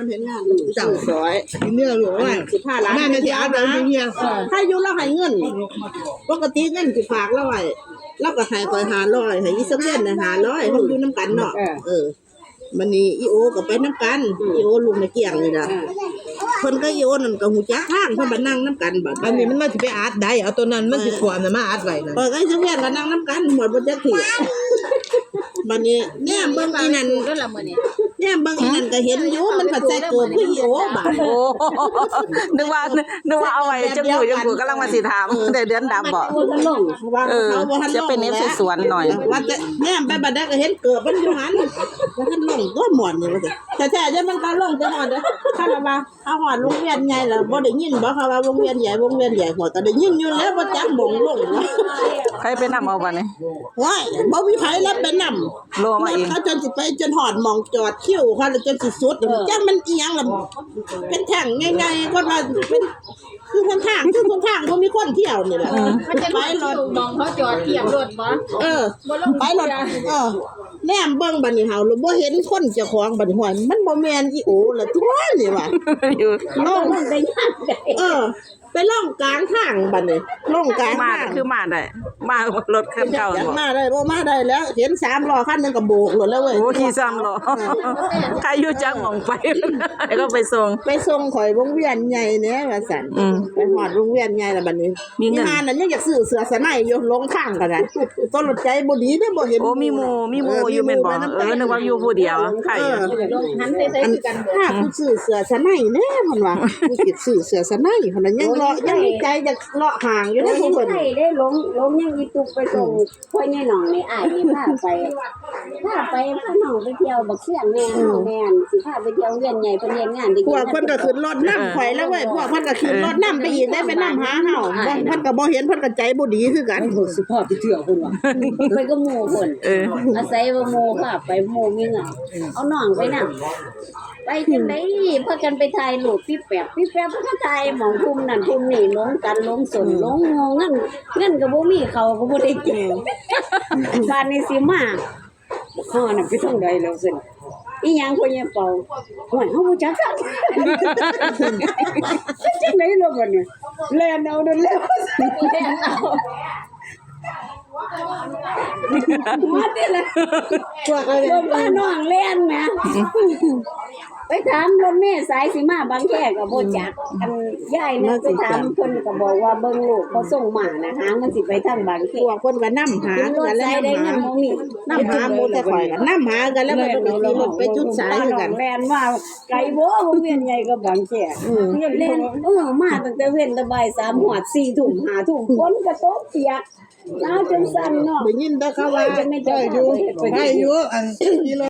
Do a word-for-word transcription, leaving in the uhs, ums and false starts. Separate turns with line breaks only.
มันเห็นงานจังสวยเนื้อหลวงว่าสิบห้าล้านแม่จะเอาไปเมียถ้าอยู่เราให้เงินปกติเงินสิฝากเราไว้เราก็ให้คอยหาร้อยให้อีสักเดือนน่ะหาร้อยมันอยู่น้ำกันเนาะเออมันนี่อีโอก็ไปน้ำกันอีโอลุงในเกี่ยงนี่ล่ะเพิ่นก็อีโอนั่นก็หูจักทางเพิ่นมานั่งน้ำกันบัดอันนี้มันมาสิไปอัดได้เอาตัวนั้นมันสิขวานน่ะมาอัดไว้นั่นเออไอ้สักเดือนก็นั่งน้ำกันหมดบ่จักทีบัดนี้แน่เบิ่งอีนั่นก็ละมื้อนี้แน่เบิ่งอีนั่นก็เห็นอยู่มันผัดใจเกิดคืออีโอบาด
โอ้นึกว่านึกว่าเอาไว้จังหูจังหูกำลังมาสิถามแต่เดือนดำบ่เออจะเป็นเอฟสวนหน่อย
ว่าแต่แน่ไปบัดได้ก็เห็นเกิดมันอยู่หันแล้วก็ลงก็หมอนนี่ว่าแต่แท้ๆจะมันก็ลงจังหอดเด้อถ้าว่าเอาหอดโรงเรียนใหญ่แล้วบ่ได้ยินบ่เขาว่าวงเวียนใหญ่วงเวียนใหญ่หัวก็ได้ยินอยู่แล้วบ่จักบ่งลง
ใครไปนำเอาบัดนี้
ว้ายบ่มีไผรับไปนำ
โลมาเอง
เขาจนสิไปจนหอดหม่องจอดคิ้วเขาจนสิสุดจังมันอีหยังล่ะเป็นแท่งง่ายๆก็ว่าเป็นคือคนทางคือคนทางบ่มีคนเที่ยวนี่แหละ
มันจะไปรถมองเขาจอดเทียบรถบ่
เออไปรถเออแนมเบิ่งบัดนี้เฮาบ่เห็นคนเจ้าของบัดนี้ห้อยมันบ่แม่นอีโอล่ะทั่วนี่ว่ะ
อยู่
ลงได้ยากเออไปล่องกลางทางบัดนี้ล่องกลาง
มาคือมาได้มารถคันเก่าบ่
มาได้บ่มาได้แล้วเห็นสามล้อคันนึงก็โบกหมดแล้วเว้ย
โอ้ขี่สามล้อใครอยู่จักหม่องไปก็ไปส่ง
ไปส่งข่อยวงเวียนใหญ่แหน่ว่าซั่นไปฮอดวงเวียนใหญ่แล้วบัดนี้มีงานนั้นยังอยากซื้อเสื้อสะไหนอยู่ลงทางก็ได้ต้นรถใจบ่ดีเด้บ่เห็น
โอ้มีหมู่มีหมู่อยู่แม่นบ่เออนึกว่าอยู่ผู้เดียวใคร
หันใส่ๆกัน
ถ้าผู้ซื้อเสื้อสะไหนแน่เพิ่นว่าผู้สิซื้อเสื้อสะไหนเพิ่นยังรอยังมีใจจะเลาะห่างอยู่นะ
ผู้
เพิ่น
ใดได้ล้มล้มยังอีตุกไปส่งพ่อใหญ่น้องนี่อ้ายนี่พาไปพาไปพาน้องไปเที่ยวบักเสียงแม่น้องแม่นสิพาไปเที่ยวเวียนใหญ่เพิ่นเฮ็ดงาน
พวกเพิ่นก็ขึ้นรถนำข่อยแล้วเว้ยพวกเพิ่นก็ขึ้นรถนำไปอีกได้ไปนำหาเฮาบ่เพิ่นก็บ่เห็นเพิ่นก็ใจบ่ดีคือกัน
สิพาไปเที่ยวเพิ่นว่าไปกับหมู่เพิ่น
เออ
อาศัยว่าหมู่พาไปหมู่มีเงินเอาน้องไปนำไปจังได๋พากันไปถ่ายรูปพี่แป๊บพี่แป๊บเพิ่นก็ถ่ายหม่องคุมนั่นคุมนี่ลงกันลงสนลงเงินเงินก็บ่มีเขาก็บ่ได้กินบ้านนี้สิมาฮ้อน่ะไปทางใดแล้วซั่นอีหยังพ่อใหญ่เป่าโอ้ยเฮาบ่จักกันจังได๋ล่ะบัดนี้แล่นเอาเด้อแล้วแล่นเอามาเด้อล่ะพวกอะไรบ้านน้องเล่นแหมไปถามรถเมล์สายสิมาบางแคก็บ่จักอันยายนึกไปถามเพิ่นก็บอกว่าเบิ่งลูกเขาส่งมานะหางมันสิไปทางบางแค
พวกเพิ่นก็นำหากันแล้วได้เงินบ่มีนำหาหมู่แต่ข่อยก็นำหากันแล้วมันก็ขี่รถไปจุดสายคือกัน
แล่นว่าไกลบ่วงเวียนใหญ่ก็บางแคอือเล่นเออมาตั้งแต่เว้นแต่บ่ายสามฮอดสี่ทุ่มห้าทุ่มฝนก็ตกเปียกหนาวจนสั่นเนาะ
ได้ยินแต่เขาว่าได้อยู่ได้อยู่อัน